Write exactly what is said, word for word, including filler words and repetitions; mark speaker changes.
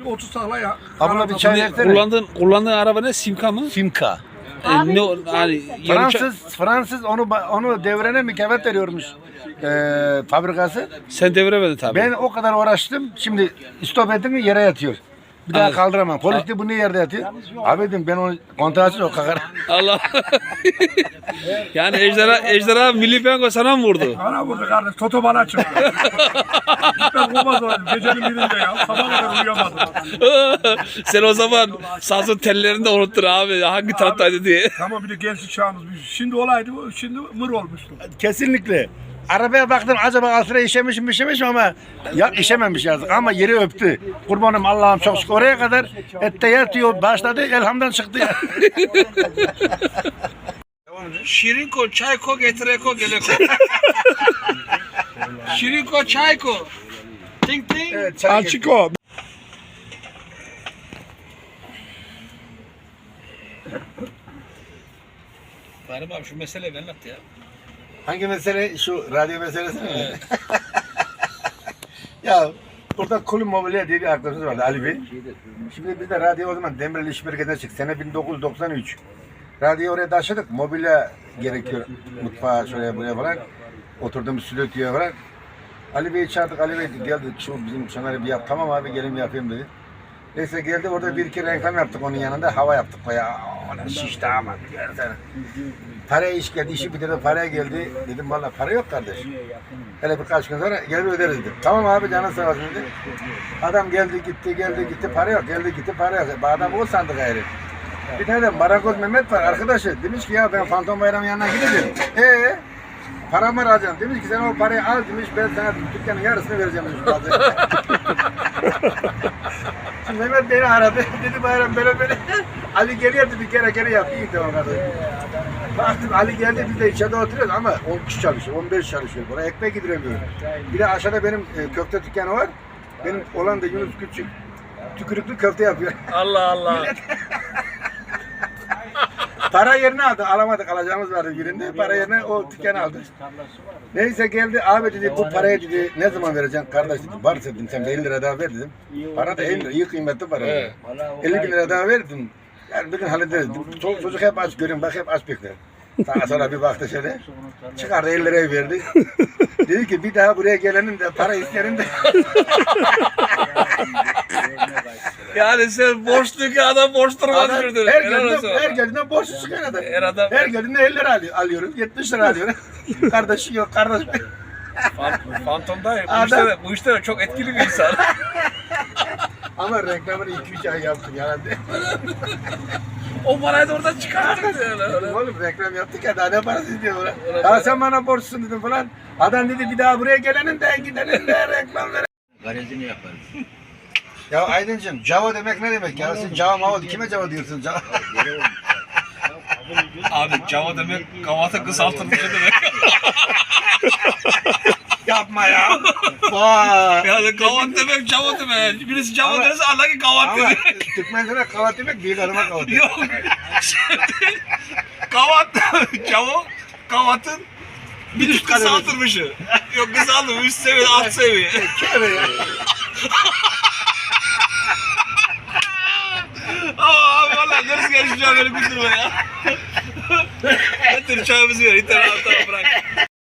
Speaker 1: otuz takla ya.
Speaker 2: Abla bir çay
Speaker 3: Ne,
Speaker 2: versene.
Speaker 3: kullandığın, kullandığın araba ne? Simka mı?
Speaker 2: Simka.
Speaker 3: E, ne, o- hani, yarı ça-
Speaker 2: Fransız Fransız onu ba- onu devrene mükafat veriyormuş eee fabrikası.
Speaker 3: Sen deviremedin tabii.
Speaker 2: Ben o kadar uğraştım. Şimdi stop ettin mi yere yatıyor. Bir daha
Speaker 3: Anladım.
Speaker 2: kaldıramam. Polis de bu niye yerde yatıyor? Abi dedim ben onu kontratsız o kakar.
Speaker 3: Allah. Yani ejderha, ejderha Milli Piyango sana mı vurdu?
Speaker 1: Bana vurdu kardeş. Toto bana çıktı. Ben kovmaz olayım. Gecenin birinde ya. Sabah kadar uyuyamadım.
Speaker 3: Sen o zaman sazın tellerini de unuttun abi. Hangi taraftaydı diye.
Speaker 1: Tamam bir de gençlik çağımız. Şimdi olaydı bu. Şimdi mır olmuştu.
Speaker 2: Kesinlikle. Arabaya baktım acaba altına işemiş mi işemiş mi ama ya işememiş yazık ama yeri öptü. Kurbanım Allah'ım çok şükür oraya kadar ette yatıyor başladı elhamdan çıktı ya.
Speaker 3: Şirinko, çayko, getireko, geleko. Şirinko, çayko. Ting ting.
Speaker 2: Evet, çay getir.
Speaker 1: Açık o.
Speaker 3: Benim abi şu meseleyi ben anlat ya.
Speaker 2: Hangi mesele? Şu radyo meselesi mi? Ya burada Kulüp Mobilya diye bir arkadaşımız vardı Ali Bey. Şimdi biz de radyo o zaman Demirel İş Birliği'ne çıktık. Sene bin dokuz yüz doksan üç. Radyoyu oraya taşıdık. Mobilya gerekiyor. Mutfağa şuraya buraya falan. Oturduğumuz stüdyoya falan. Ali Bey'i çağırdık. Ali Bey geldi. Şu bizim şunları bir yap. Tamam abi gelin yapayım dedi. Neyse geldi orada bir iki reklam yaptık onun yanında. Hava yaptık bayağı. Ona şişti ama biliyorsun. Paraya iş geldi, işi bitirdi, paraya geldi. Dedim valla para yok kardeş. Hele birkaç gün sonra gelir öderiz dedim. Tamam abi canın sağ olsun dedi. Adam geldi gitti, geldi gitti, para yok, geldi gitti, para yok. Adam o sandı gayrı. Bir tane de Marakoz Mehmet var arkadaşı. Demiş ki ya ben Fantom Bayram'ın yanına gideceğim. Eee? Paramı alacağım. Demiş ki sen o parayı al demiş, ben sana dükkanın yarısını vereceğim demiş. Şimdi Mehmet beni aradı. Dedi Bayram böyle böyle. Ali geliyor dedi, bir kere kere yap. İyi tamam kardeşim. Baktım Ali geldi, biz de içeride oturuyoruz ama on kişi çalışıyor, on beş çalışıyor. Buraya ekmek yediremiyorum. Bir de aşağıda benim e, köfte dükkanı var. Benim olan da Yunus Küçük. Tükürüklü köfte yapıyor.
Speaker 3: Allah Allah.
Speaker 2: Para yerine aldı, alamadık, alacağımız vardı birinde. Para yerine o dükkanı aldı. Neyse geldi, abi dedi bu parayı dedi ne zaman vereceksin kardeş dedi. Varsa dedim sen de elli lira daha ver dedim. Para da elli lira, iyi kıymetli para.
Speaker 3: Evet.
Speaker 2: elli bin lira daha ver dedim. Yani bugün hallederiz. Çocuk, çocuk hep aç görüyorum, bak hep aç bekler. Daha sonra bir baktı şöyle, çıkardı elli lirayı verdi. Dedi ki bir daha buraya gelenin de para isterim de.
Speaker 3: Yani sen borçluyken adam borç durmaz
Speaker 2: Adam
Speaker 3: sürdürür.
Speaker 2: her
Speaker 3: Helal olsun.
Speaker 2: geldiğinde, her geldiğinde borç çıkıyor adam.
Speaker 3: Her adam-
Speaker 2: Her geldiğinde elli lira alıyor, alıyoruz, yetmiş lira alıyoruz. Kardeşi yok, kardeş.
Speaker 3: Fan- Fantom'da bu
Speaker 2: Adam-
Speaker 3: işte, de, bu işte de çok etkili bir insan.
Speaker 2: Ama reklamını iki üç ay yaptım yani.
Speaker 3: O parayı da oradan çıkarttık.
Speaker 2: Oğlum reklam yaptık ya daha ne parası istiyor ulan. Ya sen bana borçsun dedim falan. Adam dedi bir daha buraya gelenin de gidenin de reklam ver.
Speaker 4: Garajını yaparız.
Speaker 2: Ya Aydıncığım Java demek ne demek ya? Sen Java mava kime Java diyorsun? Java.
Speaker 3: Abi Java demek kavata kısaltılmış demek.
Speaker 2: Yapma ya. Vay.
Speaker 3: Yani kavat demek Java demek. Birisi Java
Speaker 2: Ama-
Speaker 3: derse Allah ki kavat
Speaker 2: Ama
Speaker 3: dedi.
Speaker 2: Türkmenlere kavat demek büyük adama kavat.
Speaker 3: Yok. Şimdi kavat Java kavatın bir tık kısaltılmışı. Yok kısaltılmış üst seviye alt seviye.
Speaker 2: Evet ya.
Speaker 3: Aa abi valla neresi geçeceğim böyle güldürme ya. Getir çayımızı ver. İnternet altına bırak.